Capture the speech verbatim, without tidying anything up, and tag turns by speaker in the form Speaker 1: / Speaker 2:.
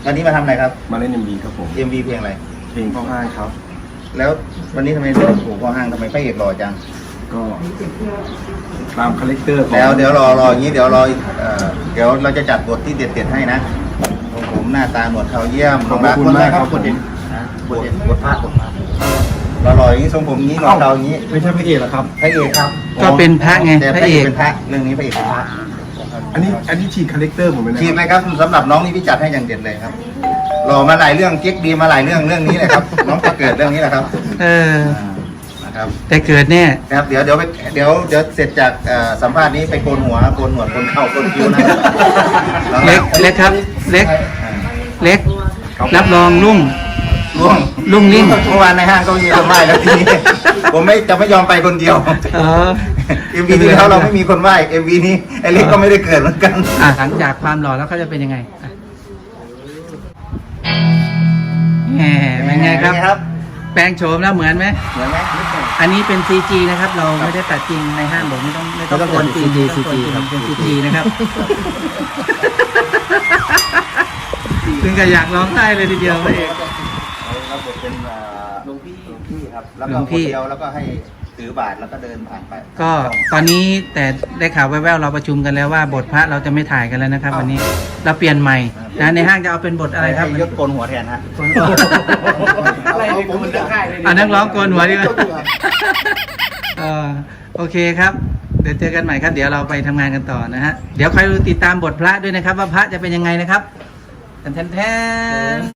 Speaker 1: วันนี้มาทำอะไรครับ
Speaker 2: มาเล่นเอ็มวีครับผม
Speaker 1: เอ็ม วี เพลงอะไร
Speaker 2: เพลงข้อห้างครับ
Speaker 1: แล้ววันนี้ทำไมเรื่องถูกข้อห้างทำไมพระเอกหล่อจัง
Speaker 2: ก็ตามคาแรคเตอร์ของ
Speaker 1: แล้วเดี๋ยวรอรออย่างนี้เดี๋ยวรอเอ่อเดี๋ยวเราจะจัดบทที่เด็ดๆให้นะของผมหน้าตาหนวดเขาเยี่ยม
Speaker 2: ขอบคุณมากครับ
Speaker 1: บทเด็ดนะบทเด็ดบทภาคบทภาครอรออย่างนี้ทรงผมอย่างนี้หนวดเขาอย่างนี้
Speaker 2: ไม่ใช่พระเอกหรอครับ
Speaker 1: พระเอกครับ
Speaker 3: ก็เป็นพระไง
Speaker 1: แต่
Speaker 3: พ
Speaker 1: พ
Speaker 3: ระ
Speaker 1: ระ
Speaker 3: เอ
Speaker 1: เอก
Speaker 3: ก
Speaker 1: เป็นพระเรื่องนี้พระเอกเป็นพระ
Speaker 2: อันนี้อันนี้ฉีกคาแรคเตอร์ผมเลยนะ
Speaker 1: ทีมเลยครับสำหรับน้องนี่พี่จัดให้อย่างเด็ดเลยครับรอมาหลายเรื่องเก๊กดีมาหลายเรื่องเรื่องนี้เลยครับ น้องจะเกิดเรื่องนี้แหละครับ
Speaker 3: เออ
Speaker 1: อ่านะครับ
Speaker 3: แต่เกิดแน่
Speaker 1: ครับเดี๋ยวเดี๋ยวไปเดี๋ยวเดี๋ยวเสร็จจากเอ่อสัมภาษณ์นี้ไปโกนหัวโกนหนวดโกนเข่าโกนคิ้วนะครับ
Speaker 3: เล็กเล็กครับ เล็ก
Speaker 1: อ่า
Speaker 3: เล็ก รับรองลุ่ง
Speaker 1: ล่วง
Speaker 3: ลุ่งลิ่ง
Speaker 1: เมื่อวานในห้างก็มีคนไหว้แล้วทีนี้ ผมไม่จะไม่ยอมไปคนเดียว
Speaker 3: เออ
Speaker 1: เอ็มวีที่แล้วเราไม่มีคนไหว้เอ็มวีนี้ไอ้เล็กก็ไม่ได้เกิดเหมือนกัน
Speaker 3: อ่ะหลังจากความหล่อแล้วเขาจะเป็นยังไงอ่ะแหมเป็นไงครับ
Speaker 1: ครับ
Speaker 3: แปลงโฉมแล้วเหมือนไหม
Speaker 1: เหมือนไหม
Speaker 3: อันนี้เป็น ซี จี นะครับ เราไม่ได้ตัดจริงในห้างบอกไม่ต้องไม่ต้อง
Speaker 2: ไม่ต้อง
Speaker 3: กวนจริง
Speaker 2: ซี จี
Speaker 3: ไม่ต้องกวนจริง
Speaker 2: ซี จี
Speaker 3: เป็น ซี จี นะครับ ถึงกับอยากร้องไห้เลยทีเดียวพระเอก
Speaker 1: รับบทเป็นหลวงพี่หลวงพี่ครับแล้ว
Speaker 3: หล
Speaker 1: ก็
Speaker 3: วง
Speaker 1: ค
Speaker 3: พี่
Speaker 1: นเดียวแล้วก็ให้ถือบาทแล้วก็เดินผ่านไป
Speaker 3: ก็ตอนนี้แต่ได้ข่าวแว่วๆเราประชุมกันแล้วว่าบทพระเราจะไม่ถ่ายกันแล้วนะครับ วันนี้เราเปลี่ยนใหม่นะในห้างจะเอาเป็นบทอะไรครับ
Speaker 1: ให้ยศโกนหัวแทนฮะ
Speaker 3: อะไรในผมจะได้เลยอ่านักร้องโกนหัวดีกว่าเออโอเคครับ เดี๋ยวเจอกันใหม่ครับ เดี๋ยวเราไปทำงานกันต่อนะฮะเดี๋ยวคอยติดตามบทพระด้วยนะครับ ว่าพระจะเป็นยังไงนะครับแทนแทน